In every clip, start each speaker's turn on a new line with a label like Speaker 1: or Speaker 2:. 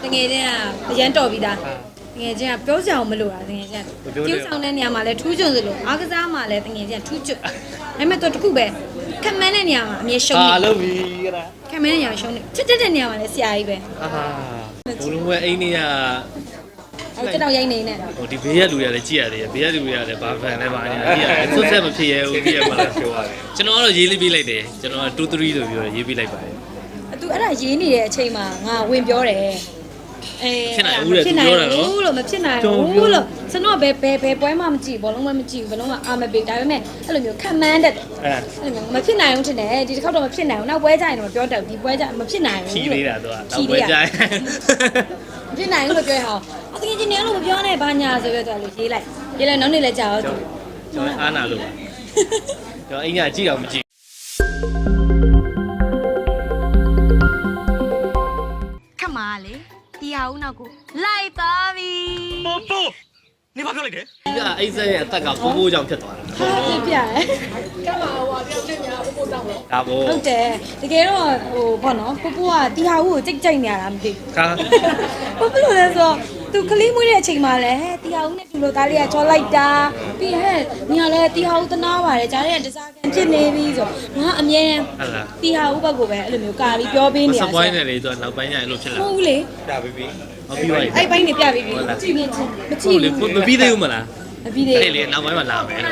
Speaker 1: တကယ်တည်းကအရန်တော်ပြီးသားတကယ်ချင်းကပြောစရာမလိုတာတကယ်ချင်းကျူးဆောင်တဲ့နေရာမှာလဲထူးချွန်စလို့အားကစားမှာလဲတကယ်ချင်းထူးချွတ်ဒါပေမဲ့တော့တခုပဲခမန်းတဲ့နေရာမှာအမြဲရှုံးနေ
Speaker 2: လုပ်ပြီကလား
Speaker 1: ခမန်းတဲ့နေရာရှုံးနေချစ်တဲ့နေရာမှာလဲဆရာကြီးပဲ
Speaker 2: ဘလုံးဝအိမ်နေရ
Speaker 1: အဲ့တော့ရိုက်နေနဲ့
Speaker 2: ဟိုဒီဘေးရလူတွေလည်းကြည့်ရတယ်ဘေးရလူတွေလည်းဘာဖန်လဲဘာညာကြည့်ရတယ်ဆွတ်ဆက်မဖြစ်ရဘူးကြည့်ရမှာလားပြောရတယ်ကျွန်တော်ကတော့ရေးလေးပေးလိုက်တယ်ကျွန်တော်က2 3ဆိုပြီးတော့ရေးပေးလိုက်ပါတယ်
Speaker 1: သူအဲ့ဒါရေးနေတဲ့အချိန်မှာငါဝင်ပြောတယ်
Speaker 2: ဖြစ်နိုင်ဦးတယ်သူပြောတာနော်
Speaker 1: ဘူးလို့မဖြစ်နိုင်ဘူးလို့ကျွန်တော်ဘယ်ပွဲမှမကြည့်ဘောလုံးမှမကြည့်ဘလုံးမှအာမပေးဒါပေမဲ့အဲ့လိုမျိုးခံမှန်းတတ်တယ်အဲ့လိုမျိုးမဖြစ်နိုင်ဘူးထင်တယ်ဒီတစ်ခေါက်တော့မဖြစ်နိုင်ဘူးနောက်ပွဲကြရင်တော့ပြောတယ်ဒီပွဲကြမဖြစ်နိုင်ဘူး
Speaker 2: ဖြီးသေးတာသူကနောက်ပွဲကြရင်
Speaker 1: မဖြစ်နိုင်ဘူးလို့ပြောရအောင်အတကယ်ချင်းနေလို့မပြောနဲ့ဘာညာဆိုပြီးတော့လို့ရေးလိုက်နောက်နေ့လည်းကြာတော့
Speaker 2: ကျွန်တော်အားနာလို့ပါကျွန်တော်အိမ်ကကြည့်တော့မကြည့်
Speaker 1: ခမလေတရားဦးနောက်ကိုလိုက်သွားပြီ
Speaker 2: ပို့နေဘာပြောလိုက်တယ်ဒီကအိတ်ဆက်ရဲ့အသက်ကပိုးကြောင်ဖြစ်သွားတာ
Speaker 1: ဟုတ်ပြရဲ
Speaker 3: ကမ္ဘာဟိုအပြောင်းချင်ညာပို့တောင်းတော့
Speaker 2: ဒါပေါ့
Speaker 1: ဟုတ်တယ်တကယ်တော့ဟိုဘောနော်ပိုးကတရားဦးကိုကြိတ်နေရတာမသိဘူးဘာလို့လဲဆိုသူကလေးမွေးတဲ့အချိန်မှာလဲတရားဦးနဲ့သူလိုသားလေးကချောလိုက်တာပြီးဟဲ့ညီကလည်းတရားဦးတနာပါတယ်ကြားတဲ့တစားကန်ဖြစ်နေပြီဆိုငါအမြဲတမ်းတရားဦးဘက်ကိုပဲအဲ့လိုမျိုးကာပြီးပြောပေးနေရ
Speaker 2: စပွိုင်းနေလေဆိုနောက်ပိုင်းကျရင်လို့ဖြစ်လာ
Speaker 1: ဟုတ်လေ
Speaker 2: ပြပေးပြီဟုတ်ပြီ
Speaker 1: အဲ့ပိုင်းနေပြပေးပြီကြည့်နေချင်းမကြည့်
Speaker 2: ဘူးမပြီးသေးဘူးမလား
Speaker 1: မပြီးသေးဘူး
Speaker 2: အဲ့လေနောက်ပိုင်းမှာလာမယ်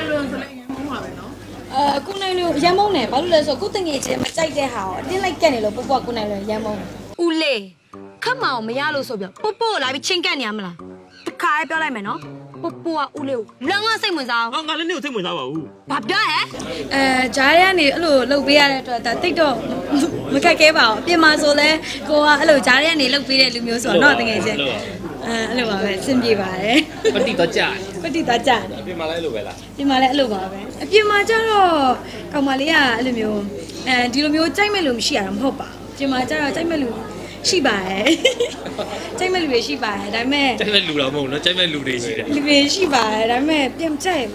Speaker 1: အခုနိုင်လို့ရမ်းမုန်းတယ်ဘာလို့လဲဆိုတော့ကိုတငယ်ချင်းမကြိုက်တဲ့ဟာကိုအတင်းလိုက်ကက်နေလို့ပုပ်ပုကကိုနိုင်လို့ရမ်းမုန်းဦးလေးခက်မအောင်မရလို့ဆိုပြီးပုပ်ပုလာပြီးချင်းကက်နေရမလားတခါလေးပြောလိုက်မယ်နော်ပုပ်ပုကဦးလေးကိုလုံးဝစိတ်ဝင်စား
Speaker 2: အောင်ငါလည်းနေကိုစိတ်ဝင်စားပါဘူး
Speaker 1: ဘာပြောဟဲ့ဂျားရဲကနေအဲ့လိုလှုပ်ပေးရတဲ့အတွက်ဒါတိတ်တော့မခက်ခဲပါဘူးအပြင်မှာဆိုလဲကိုကအဲ့လိုဂျားရဲကနေလှုပ်ပေးတဲ့လူမျိုးဆိုတော့တငယ်ချင်းအဲ့လိုပါပဲအဆင်ပြေပါတယ်
Speaker 2: ပတိတော့ကြာ
Speaker 1: ပတိတော့ကြာ
Speaker 2: အပြင်မှာလည်းအဲ့လိုပဲလား
Speaker 1: အပြင်မှာလည်းအဲ့လိုပါပဲအပြင်မှာကျတော့ကောင်မလေးကအဲ့လိုမျိုးဒီလိုမျိုးကြိုက်မဲ့လူမရှိရတာမဟုတ်ပါဘူးအပြင်မှာကျတော့ကြိုက်မဲ့လူရှိပါတယ်ကြိုက်မဲ့လူတွေရှိပါတယ်ဒါပေမဲ့
Speaker 2: ကြိုက်မဲ့လူတော့မဟုတ်နော်ကြိုက်မဲ့လူတွေရှိတယ်
Speaker 1: လူတွေရှိပါတယ်ဒါပေမဲ့ပြန်ကြိုက်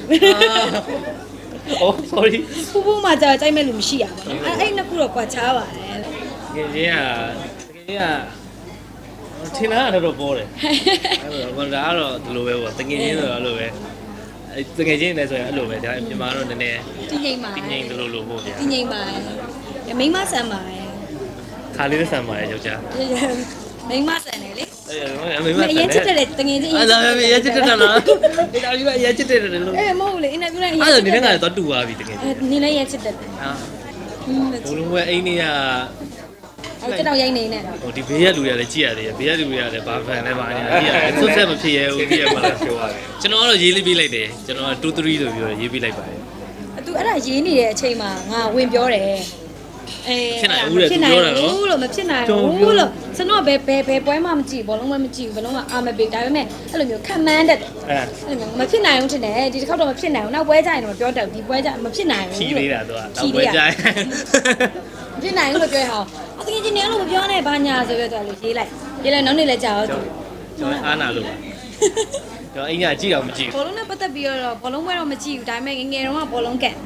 Speaker 2: Oh sorry
Speaker 1: ပူမှာကျတော့ကြိုက်မဲ့လူမရှိရပါဘူးအဲ့နှစ်ခုတော့ကွာခြားပါတယ်
Speaker 2: တကယ်ချင်းကထင်တာကတော့ပေါ်တယ်အဲ့ဒါကတော့ဒီလိုပဲပေါ့တကယ်ချင်းဆိုတော့အဲ့လိုပဲတကယ်ချင်းလည်းဆိုရင်အဲ့လိုပဲဒါပြင်မာတော့နည်းနည်း
Speaker 1: တင်းငိမ့်ပါ
Speaker 2: တင်းငိမ့်လို့လို့ပေါ့ဗျာ
Speaker 1: တင်းငိမ့်ပါတယ်မိမဆန်ပါတယ်
Speaker 2: ခါလေးနဲ့ဆန်ပါတယ်ယောက်ျား
Speaker 1: မိမဆန်တယ်လေ
Speaker 2: မိမဆန်တယ်
Speaker 1: အရင်ချစ်တယ်တကယ်ချင်း
Speaker 2: အဲ့ဒါပဲရချစ်တယ်နော်ဒီတော်ကြီးကရချစ်တယ်လို့
Speaker 1: မဟုတ်လေအင်တာဗျူးနဲ့
Speaker 2: အဲ့ဒါနင်းကတော့တူသွားပြီတကယ်
Speaker 1: နင်းလည်းရချစ်တယ်
Speaker 2: ဟာဘလုံးဝအိမ်နေရ
Speaker 1: အဲ့တော့ရိုက်နေနဲ့
Speaker 2: ဟိုဒီဘေးရလူတွေလည်းကြည့်ရတယ်ဘေးရလူတွေလည်းဘာဖန်လဲဘာညာကြည့်ရတယ်ဆွတ်ဆက်မဖြစ်ရဘူးကြည့်ရမှာလားပြောရတယ်ကျွန်တော်ကတော့ရေးလေးပေးလိုက်တယ်ကျွန်တော်က2 3ဆိုပြီးတော့ရေးပေးလိုက်ပါတယ်
Speaker 1: သူအဲ့ဒါရေးနေတဲ့အချိန်မှာငါဝင်ပြောတယ်
Speaker 2: ဖြစ်နိုင်ဦးတယ်သူပြောတာနော်
Speaker 1: ဘူးလို့မဖြစ်နိုင်ဘူးလို့ကျွန်တော်ဘယ်ပွဲမှမကြည့်ဘောလုံးမှမကြည့်ဘလုံးမှအာမပေးဒါပေမဲ့အဲ့လိုမျိုးခံမှန်းတတ်တယ်အဲ့လိုမျိုးမဖြစ်နိုင်ဘူးထင်တယ်ဒီတစ်ခေါက်တော့မဖြစ်နိုင်ဘူးနောက်ပွဲကြရင်တော့ပြောတယ်ဒီပွဲကြမဖြစ်နိုင်ဘူး
Speaker 2: ဖြီးသေးတာသူကနောက်ပွဲကြရင်
Speaker 1: ဖြစ်နိုင်ဘူးလို့ပြောရအောင်အတကယ်ချင်းနေလို့မပြောနဲ့ဘာညာဆိုပြီးတော့လို့ရေးလိုက်နောက်နေ့လည်းကြာတော့
Speaker 2: ကျွန်တော်အားနာလို့ပါကျွန်တော်အိမ်ကကြည့်တော့မကြည့်
Speaker 1: ဘောလုံးနဲ့ပတ်သက်ပြီးတော့ဘောလုံးပွဲတော့မကြည့်ဘူးဒါပေမဲ့ငယ်တုန်းကဘောလုံးကန်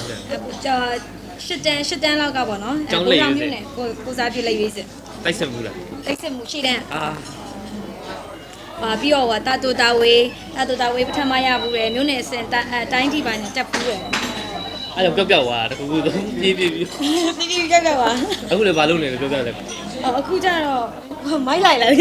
Speaker 1: ရှစ်တန်းလောက်ကပေါ့နော်
Speaker 2: ကိုကြောင်
Speaker 1: မျိုးနဲ့ကိုစားပြလိုက်ရေးစစ်
Speaker 2: တိုက်ဆက်မှုလား
Speaker 1: တိုက်ဆက်မှုရှိတဲ့ပြီးတော့တာတူတာဝေးပထမရဘူးလေမျိုးနဲ့အစင်တိုင်းထိပါနဲ့တက်ဘူးလေ
Speaker 2: အဲ့တော့ပြောက်သွားတခုခုပြေး
Speaker 1: ပြောက်သွား
Speaker 2: အခုလည်းဘာလုပ်နေလဲပြောလဲ
Speaker 1: အခုကျတော့မိုက်လိုက်လာ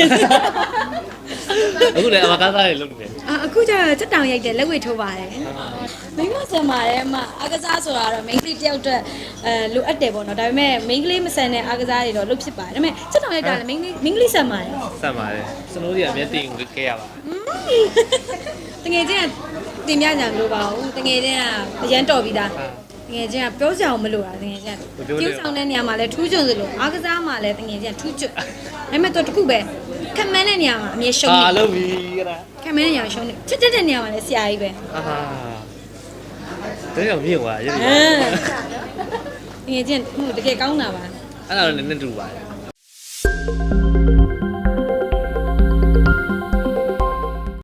Speaker 2: အခုလည်းအမကားစားတွေလုပ်နေတယ်
Speaker 1: အခုကျတော့ချက်တောင်ရိုက်တယ်လက်ဝဲထိုးပါတယ်မိမဆန်ပါတယ်အမအကစားဆိုတာတော့ main ကလေးတယောက်အတွက်လိုအပ်တယ်ပေါ့နော်ဒါပေမဲ့ main ကလေးမဆန်တဲ့အကစားတွေတော့လုပ်ဖြစ်ပါတယ်ဒါပေမဲ့ချက်တောင်ရိုက်တာလည်း main ကလေးဆန်ပါတယ်
Speaker 2: စနိုးတွေအမြဲတင်ခဲ့ရပါ
Speaker 1: တကယ်ချင်းတင်ပြကြမလို့ပါဘူးတကယ်ချင်းကအရန်တော်ပြီးသားတကယ်ချင်းကပြောစရာမလိုတာတကယ်ချင်းကျူးဆောင်တဲ့နေရာမှာလဲထူးချွန်စလို့အားကစားမှာလဲတကယ်ချင်းထူးချွတ်ဒါပေမဲ့တော့တခုပဲခမန်းတဲ့နေရာမှာအမြဲရှုံးနေ
Speaker 2: လုပ်ပြီကလား
Speaker 1: ခမန်းတဲ့နေရာရှုံးနေချစ်တဲ့နေရာမှာလဲဆရာကြီးပဲ
Speaker 2: တဲ့ရောက်မြင့်သွားရတယ်
Speaker 1: တကယ်ချင်းတကယ်ကောင်းတာပါ
Speaker 2: အဲ့ဒါတော့နည်းနည်းတူပါတယ်